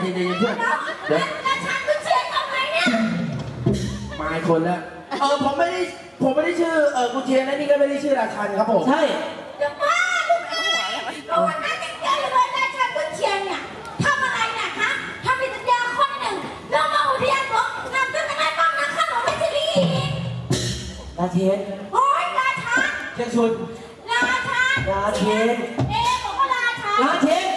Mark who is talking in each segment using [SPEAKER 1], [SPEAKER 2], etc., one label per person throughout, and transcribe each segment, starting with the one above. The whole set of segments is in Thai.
[SPEAKER 1] เย็นๆเพื่อนเดี๋ยว
[SPEAKER 2] ราชันกุนเชียงทำไมเนี่ย
[SPEAKER 1] มาอีกคนแล้วผมไม่ได้ชื่อกุนเชียงและนี่ก็ไม่ได้ชื่อราชันครับผม
[SPEAKER 3] ใช่
[SPEAKER 2] จะบ้าลูกเอ๋ยเพราะว่านั่นยังเจอเลยราชันกุนเชียงเนี่ยทำอะไรเนี่ยคะทำเป็นสัญญาข้อหนึ่งแล้วมาอุทยานหลวงนำขึ้นมาได้บ้างนะข้าหลวงไม่ใช่ลี
[SPEAKER 3] ราเชน
[SPEAKER 2] โอ้ยราชัน
[SPEAKER 3] เชียงชุนราเชน
[SPEAKER 2] บอกว่าราชัน
[SPEAKER 3] ราเชน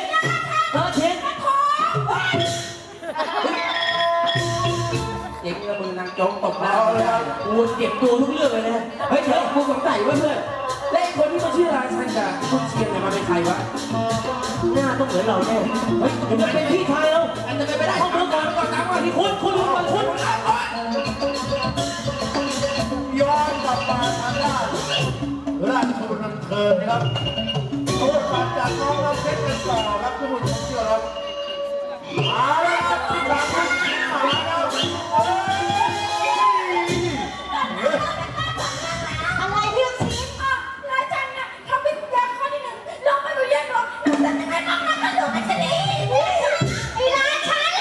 [SPEAKER 1] เด็กแล้วมือนางจ้องตบหน้า
[SPEAKER 3] กูเก็บตัวทุกเรื่องเลยนะเฮ้ยเดี๋ยวกูสงสัยว่าเพื่อน
[SPEAKER 1] และคนที่มาชื่อราชันกับกุนเชียงเนี่ยมาเป็นใครวะ
[SPEAKER 3] หน้าต้องเหมือนเราแน่เฮ้ยเดี๋ยวมันเป็นพี่ชายเรา
[SPEAKER 1] อันจะไม่ได้
[SPEAKER 3] เข้าเมืองก่อนตามก่อนที่คุณ
[SPEAKER 4] ย้อนกลับมาทางด้านราชบุตรนันเทิงนะครับโอ้ผ่านจากน้องเราเพชรกันต่อครับทุกคนเชื่อครับมาแล้วครับราชันมาแล้ว
[SPEAKER 2] อะไรที่ชี้อ่ะราชันเนี่ยทำเป็นสัญญาข้อที่หนึ่งลงมาอุทยานหลวงนำขึ้นมาได้บ้างนะข้าหลวงไม่ใช่ลีไอ้ราชัน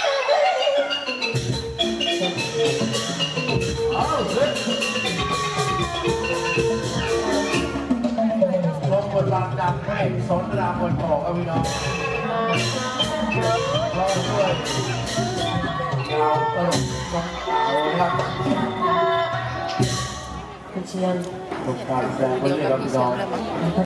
[SPEAKER 4] ลงบทบาทดำให้สอนรามบนออกพี่น้องรอด้วยดาวตลกน้องสาวครับ
[SPEAKER 3] คุณเชียง
[SPEAKER 4] การแสดงคนนี้ครับพี่น้อง